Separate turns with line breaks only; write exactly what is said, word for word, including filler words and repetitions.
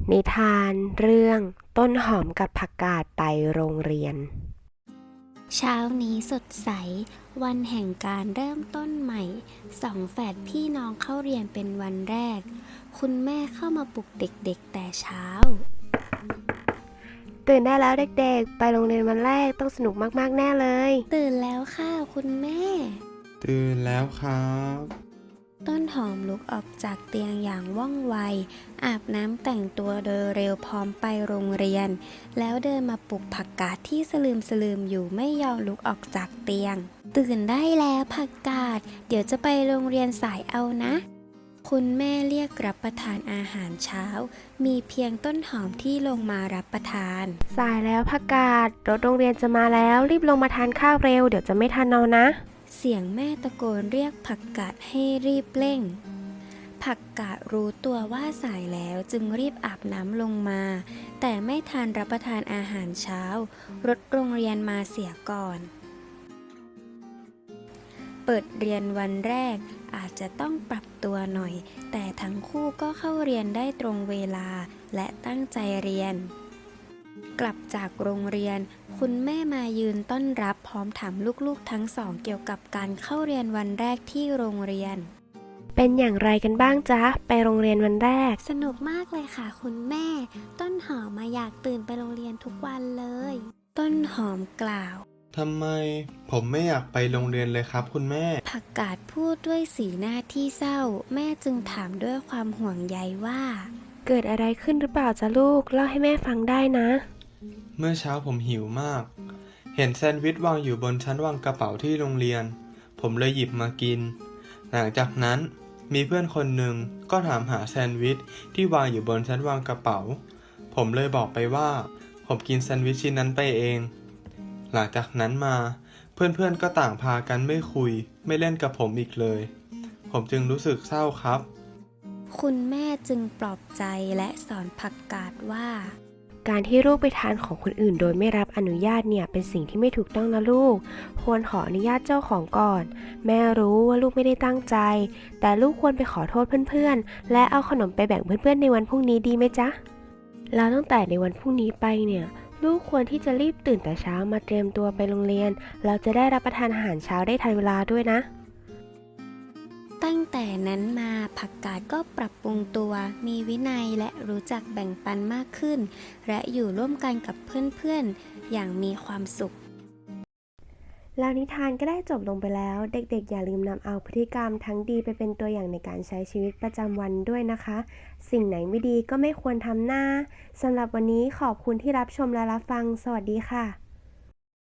นิทานเรื่องต้นหอมกับผักกาดไปโรงเรียน
เช้านี้สดใสวันแห่งการเริ่มต้นใหม่สองแฝดพี่น้องเข้าเรียนเป็นวันแรกคุณแม่เข้ามาปลุกเด็กๆแต่เช้า
ตื่นได้แล้วเด็กๆไปโรงเรียนวันแรกต้องสนุกมากๆแน่เลย
ตื่นแล้วค่ะคุณแม่
ตื่นแล้วครับ
ต้นหอมลุกออกจากเตียงอย่างว่องไวอาบน้ำแต่งตัวโดยเร็วพร้อมไปโรงเรียนแล้วเดินมาปลุกผักกาดที่สลืมสลืมอยู่ไม่ยอมลุกออกจากเตียงตื่นได้แล้วผักกาดเดี๋ยวจะไปโรงเรียนสายเอานะคุณแม่เรียกรับประทานอาหารเช้ามีเพียงต้นหอมที่ลงมารับประทาน
สายแล้วผักกาดรถโรงเรียนจะมาแล้วรีบลงมาทานข้าวเร็วเดี๋ยวจะไม่ทันเอานะ
เสียงแม่ตะโกนเรียกผักกาดให้รีบเร่งผักกาดรู้ตัวว่าสายแล้วจึงรีบอาบน้ำลงมาแต่ไม่ทันรับประทานอาหารเช้ารถโรงเรียนมาเสียก่อนเปิดเรียนวันแรกอาจจะต้องปรับตัวหน่อยแต่ทั้งคู่ก็เข้าเรียนได้ตรงเวลาและตั้งใจเรียนกลับจากโรงเรียนคุณแม่มายืนต้อนรับพร้อมถามลูกๆทั้งสองเกี่ยวกับการเข้าเรียนวันแรกที่โรงเรียน
เป็นอย่างไรกันบ้างจ๊ะไปโรงเรียนวันแรก
สนุกมากเลยค่ะคุณแม่ต้นหอมมาอยากตื่นไปโรงเรียนทุกวันเลยต้นหอมกล่าว
ทำไมผมไม่อยากไปโรงเรียนเลยครับคุณแม่
ผักกาดพูดด้วยสีหน้าที่เศร้าแม่จึงถามด้วยความห่วงใยว่า
เกิดอะไรขึ้นหรือเปล่าจ๊ะลูกเล่าให้แม่ฟังได้นะ
เมื่อเช้าผมหิวมากเห็นแซนด์วิชวางอยู่บนชั้นวางกระเป๋าที่โรงเรียนผมเลยหยิบมากินหลังจากนั้นมีเพื่อนคนหนึ่งก็ถามหาแซนด์วิชที่วางอยู่บนชั้นวางกระเป๋าผมเลยบอกไปว่าผมกินแซนด์วิชชิ้นนั้นไปเองหลังจากนั้นมาเพื่อนๆก็ต่างพากันไม่คุยไม่เล่นกับผมอีกเลยผมจึงรู้สึกเศร้าครับ
คุณแม่จึงปลอบใจและสอนผักกาดว่า
การที่ลูกไปทานของคนอื่นโดยไม่รับอนุญาตเนี่ยเป็นสิ่งที่ไม่ถูกต้องนะลูกควรขออนุญาตเจ้าของก่อนแม่รู้ว่าลูกไม่ได้ตั้งใจแต่ลูกควรไปขอโทษเพื่อนๆและเอาขนมไปแบ่งเพื่อนๆในวันพรุ่งนี้ดีไหมจ๊ะแล้วตั้งแต่ในวันพรุ่งนี้ไปเนี่ยลูกควรที่จะรีบตื่นแต่เช้ามาเตรียมตัวไปโรงเรียนเราจะได้รับประทานอาหารเช้าได้ทันเวลาด้วยนะ
ตั้งแต่นั้นมาผักกาดก็ปรับปรุงตัวมีวินัยและรู้จักแบ่งปันมากขึ้นและอยู่ร่วมกันกับเพื่อนๆอย่างมีความสุข
แล้วนิทานก็ได้จบลงไปแล้วเด็กๆอย่าลืมนำเอาพฤติกรรมทั้งดีไปเป็นตัวอย่างในการใช้ชีวิตประจำวันด้วยนะคะสิ่งไหนไม่ดีก็ไม่ควรทำหน้าสำหรับวันนี้ขอบคุณที่รับชมและรับฟังสวัสดีค่ะ